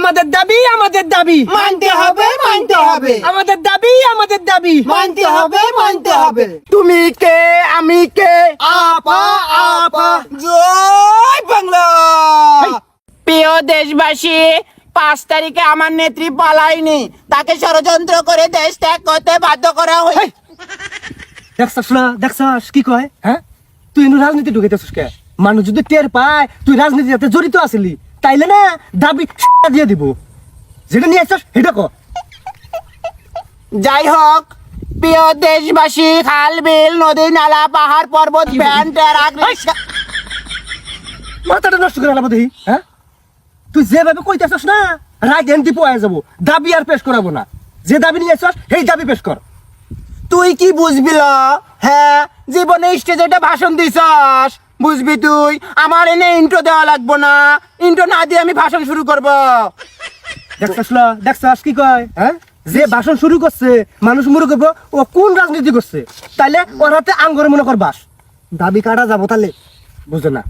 আমাদের দাবি আমাদের দাবি মানতে হবে আমাদের দাবি আমাদের দাবি মানতে হবে তুমি কে আমি কে আপা আপা জয় বাংলা। প্রিয় দেশবাসী, 5 তারিখে আমার নেত্রী পালায়নি, তাকে ষড়যন্ত্র করে দেশ ত্যাগ করতে বাধ্য করা হয়। দেখছস কি কয়? হ্যাঁ, তুই রাজনীতি ঢুকাইতেছিস কে? মানুষ যদি টের পায় তুই রাজনীতিতে জড়িত আছিলি, তাইলে না দাবি দিয়ে দিব। যেটা নিয়ে আসছস সেটা কর। যাই হোক, প্রিয় দেশবাসী, খাল বিল নদী নালা পাহাড় পর্বত ভ্যান ট্রাক রিক্সা মাথাটা নষ্ট করে আলাদা দেখি। হ্যাঁ, তুই যেভাবে কইতেছস না, রাইট হ্যান্ড দিয়ে পয়ে যাবো। দাবি আর পেশ করাবো না। যে দাবি নিয়ে আসছস সেই দাবি পেশ কর। তুই কি বুঝবি ল? হ্যাঁ, জীবনে স্টেজে একটা ভাষণ দিছস, বুঝবি তুই? আমার এনে ইন্ট্রো দেওয়া লাগবো না, ইন্ট্রো না দিয়ে আমি ভাষণ শুরু করব। দেখছস কি কয়? হ্যাঁ, যে ভাষণ শুরু করছে মানুষ মনে করবো ও কোন রাজনীতি করছে, তাইলে ওর হাতে আঙ্গরে মনে কর বাস। দাবি কাটা যাবো তাহলে বুঝে না।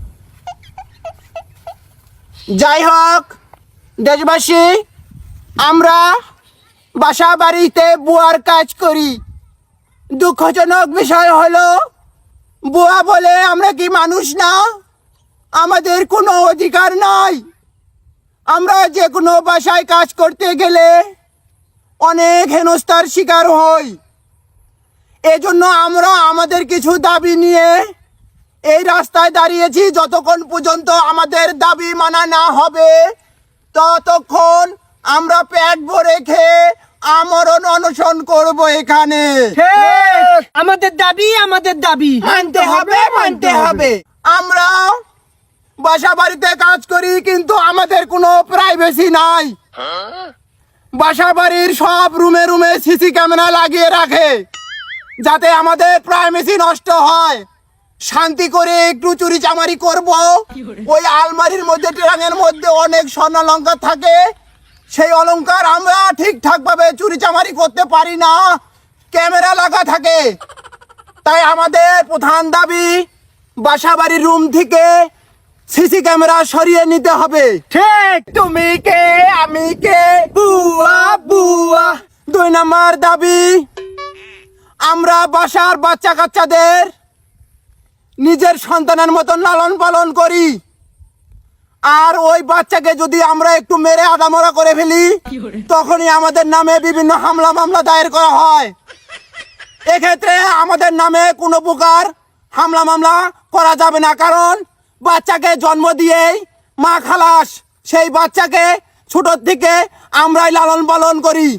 যাই হোক দেশবাসী, আমরা বাসা বাড়িতে বুয়ার কাজ করি। দুঃখজনক বিষয় হলো, বুয়া বলে আমরা কি মানুষ না? আমাদের কোনো অধিকার নাই। আমরা যে কোনো বাসায় কাজ করতে গেলে অনেক হেনস্থার শিকার হই। এজন্য আমরা আমাদের কিছু দাবি নিয়ে এই রাস্তায় দাঁড়িয়েছি। যতক্ষণ পর্যন্ত আমাদের দাবি মানা না হবে, ততক্ষণ আমরা পেট ভরে খেয়ে আমরণ অনশন করব এখানে। আমাদের দাবি আমাদের দাবি মানতে হবে। আমরা বাসা বাড়িতে কাজ করি, কিন্তু আমাদের কোনো প্রাইভেসি নাই। বাসা বাড়ির সব রুমে রুমে সিসি ক্যামেরা লাগিয়ে রাখে, যাতে আমাদের প্রাইভেসি নষ্ট হয়। শান্তি করে একটু চুরি চামারি করব। ওই আলমারির মধ্যে ট্রাঙ্কের মধ্যে অনেক স্বর্ণ অলংকার থাকে, সেই অলংকার আমরা ঠিকঠাক ভাবে চুরি চামারি করতে পারি না, ক্যামেরা লাগা থাকে। তাই আমাদের প্রধান দাবি, বাসা বাড়ির রুম থেকে সিসি ক্যামেরা সরিয়ে নিতে হবে। ঠিক। তুমি কে আমি কে, বুয়া বুয়া। 2 নম্বর দাবি, আমরা বাসার বাচ্চা কাচ্চাদের নিজের সন্তানের মতন লালন পালন করি। আর ওই বাচ্চাকে যদি আমরা একটু মেরে আদামরা করে ফেলি, তখনই আমাদের নামে বিভিন্ন হামলা মামলা দায়ের করা হয়। এক্ষেত্রে আমাদের নামে কোনো প্রকার হামলা মামলা করা যাবে না, কারণ বাচ্চাকে জন্ম দিয়েই মা খালাস। সেই বাচ্চাকে ছোটোর থেকে আমরাই লালন পালন করি।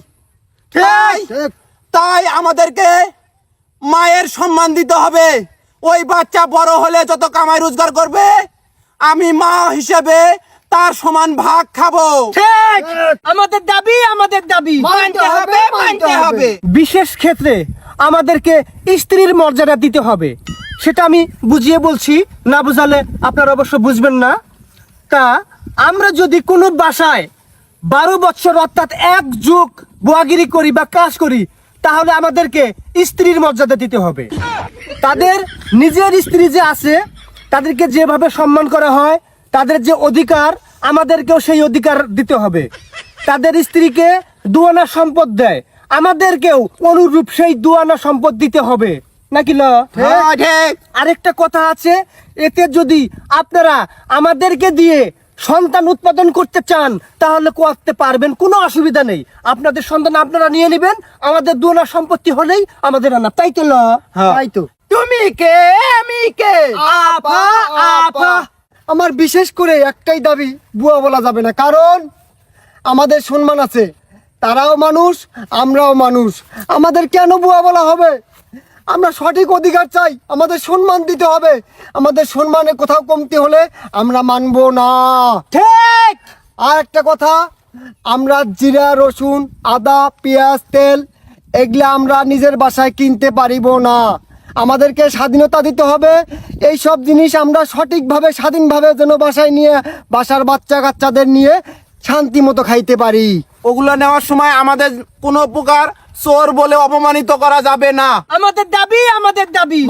তাই আমাদেরকে মায়ের সম্মান দিতে হবে। ওই বাচ্চা বড় হলে যত কামাই রোজগার করবে, আমি মা হিসেবে তার সমান ভাগ খাবো। ঠিক। আমাদের দাবি আমাদের দাবি মানতে হবে। বিশেষ ক্ষেত্রে আমাদেরকে স্ত্রীর মর্যাদা দিতে হবে। সেটা আমি বুঝিয়ে বলছি, না বুঝালে আপনারা অবশ্য বুঝবেন না। তা আমরা যদি কোনো বাসায় 12 বছর অর্থাৎ 1 যুগ বুয়াগিরি করি বা কাজ করি, তাহলে আমাদেরকে স্ত্রীর মর্যাদা দিতে হবে। তাদের নিজের স্ত্রী যে আছে, তাদেরকে যেভাবে সম্মান করা হয়, তাদের যে অধিকার, আমাদেরকেও সেই অধিকার দিতে হবে। তাদের স্ত্রীকে দুয়ানা সম্পদ দেয়, আমাদেরকেও অনুরূপ সেই দুয়ানা সম্পদ দিতে হবে, নাকি না? আরেকটা কথা আছে, এতে যদি আপনারা আমাদেরকে দিয়ে সন্তান উৎপাদন করতে চান, তাহলে করতে পারবেন, কোনো অসুবিধা নেই। আপনাদের সন্তান আপনারা নিয়ে নেবেন, আমাদের দুয়ানা সম্পত্তি হলেই আমাদের আনা, তাই তো? তাই তো। তুমি কে আমি কে, আপা আপা। আমার বিশেষ করে একটাই দাবি, বুয়া বলা যাবে না, কারণ আমাদের সম্মান আছে। তারাও মানুষ, আমরাও মানুষ, আমাদের কেন বুয়া বলা হবে? আমরা সঠিক অধিকার চাই, আমাদের সম্মান দিতে হবে। আমাদের সম্মানে কোথাও কমতি হলে আমরা মানবো না। ঠিক। আর একটা কথা, আমরা জিরা রসুন আদা পেঁয়াজ তেল এগুলা আমরা নিজের বাসায় কিনতে পারিব না। আমাদেরকে স্বাধীনতা দিতে হবে। এই সব জিনিস আমরা সঠিকভাবে স্বাধীনভাবে যেন বাসায় নিয়ে বাসার বাচ্চা কাচ্চাদের নিয়ে শান্তি মতো খাইতে পারি। ওগুলো নেওয়ার সময় আমাদের কোনো প্রকার চোর বলে অপমানিত করা যাবে না। আমাদের দাবি আমাদের দাবি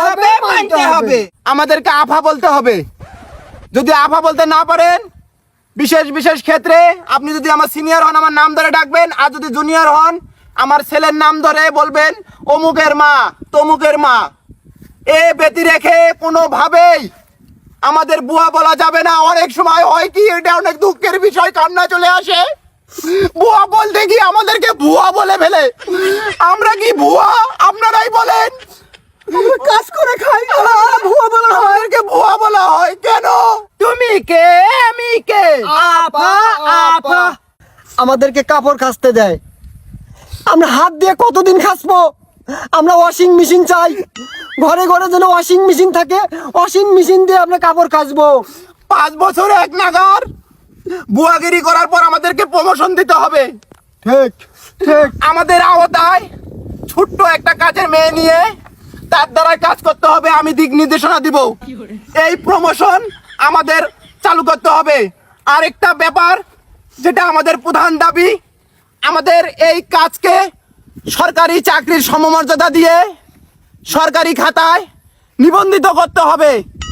মানতে হবে। আমাদেরকে আফা বলতে হবে। যদি আফা বলতে না পারেন, বিশেষ বিশেষ ক্ষেত্রে আপনি যদি আমার সিনিয়র হন আমার নাম ধরে ডাকবেন, আর যদি জুনিয়র হন আমার ছেলের নাম ধরে বলবেন অমুকের মা তমুকের মা। এ ব্যতি রেখে কোনোভাবেই আমাদের বুয়া বলা যাবে না। অনেক সময় হয় কি, এটা অনেক দুঃখের বিষয়, কান্না চলে আসে। বুয়া বলতে কি আমাদেরকে ভুয়া বলে ফেলে। আমরা কি ভুয়া? আপনারাই বলেন। আমরা কাজ করে খাই, ভুয়া বলা হয়, আমাদেরকে ভুয়া বলা হয় কেন? তুমি কে আমি কে? আপা আপা আমাদেরকে কাপড় কাচতে দেয়, আমরা হাত দিয়ে কতদিন কাচবো? আমরা ওয়াশিং মেশিন চাই, ঘরে ঘরে যেন ওয়াশিং মেশিন থাকে, ওয়াশিং মেশিন দিয়ে আমরা কাপড় কাচবো। 5 বছর এক নাগার বুয়াগিরি করার পর আমাদেরকে প্রমোশন দিতে হবে। ঠিক ঠিক। আমাদের আওতায় ছোট্ট একটা কাজের মেয়ে নিয়ে তার দ্বারা কাজ করতে হবে, আমি দিক নির্দেশনা দিব। এই প্রমোশন আমাদের চালু করতে হবে। আরেকটা ব্যাপার যেটা আমাদের প্রধান দাবি, আমাদের এই কাজকে সরকারি চাকরির সমমর্যাদা দিয়ে সরকারি খাতায় নিবন্ধিত করতে হবে।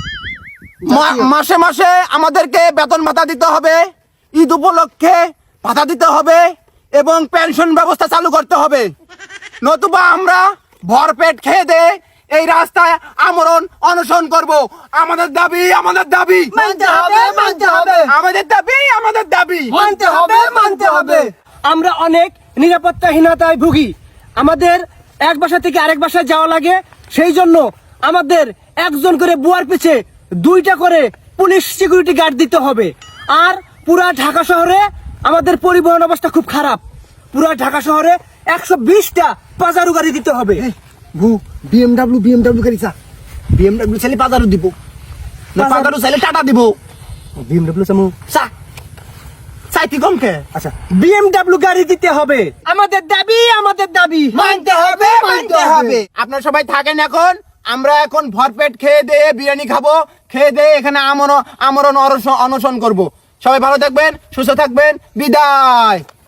মাসে মাসে আমাদেরকে বেতন ভাতা দিতে হবে, ঈদ উপলক্ষে ভাতা দিতে হবে এবং পেনশন ব্যবস্থা চালু করতে হবে। নতুবা আমরা ভরপেট খেয়ে দে এই রাস্তায় আমরণ অনশন করব। আমাদের দাবি আমাদের দাবি মানতে হবে, মানতে হবে। আমাদের দাবি আমাদের দাবি মানতে হবে, মানতে হবে। আমরা অনেক নিরাপত্তাহীনতায় ভুগি, আমাদের এক বাসা থেকে আরেক বাসায় যাওয়া লাগে। সেই জন্য আমাদের একজন করে বুয়ার পিছে 2টা করে পুলিশ সিকিউরিটি গার্ড দিতে হবে। আর পুরা ঢাকা শহরে আমাদের পরিবহন অবস্থা খুব খারাপ। পুরা ঢাকা শহরে 120টা পাজারু গাড়ি দিতে হবে। বিএমডাব্লিউ গাড়ি চা, বিএমডব্লিউ চাইলে পাদারু দিব না, পাদারু চাইলে টাটা দিব। বিএমডব্লিউ সামু চা চাইতি কমকে আচ্ছা বিএমডব্লিউ গাড়ি দিতে হবে। আমাদের দাবি আমাদের দাবি মানতে হবে মানতে হবে। আপনারা সবাই থাকেন এখন, আমরা এখন ভরপেট খেয়ে দিয়ে বিরিয়ানি খাবো, খেয়ে দিয়ে এখানে আমরণ অনশন করব। সবাই ভালো থাকবেন, সুস্থ থাকবেন, বিদায়।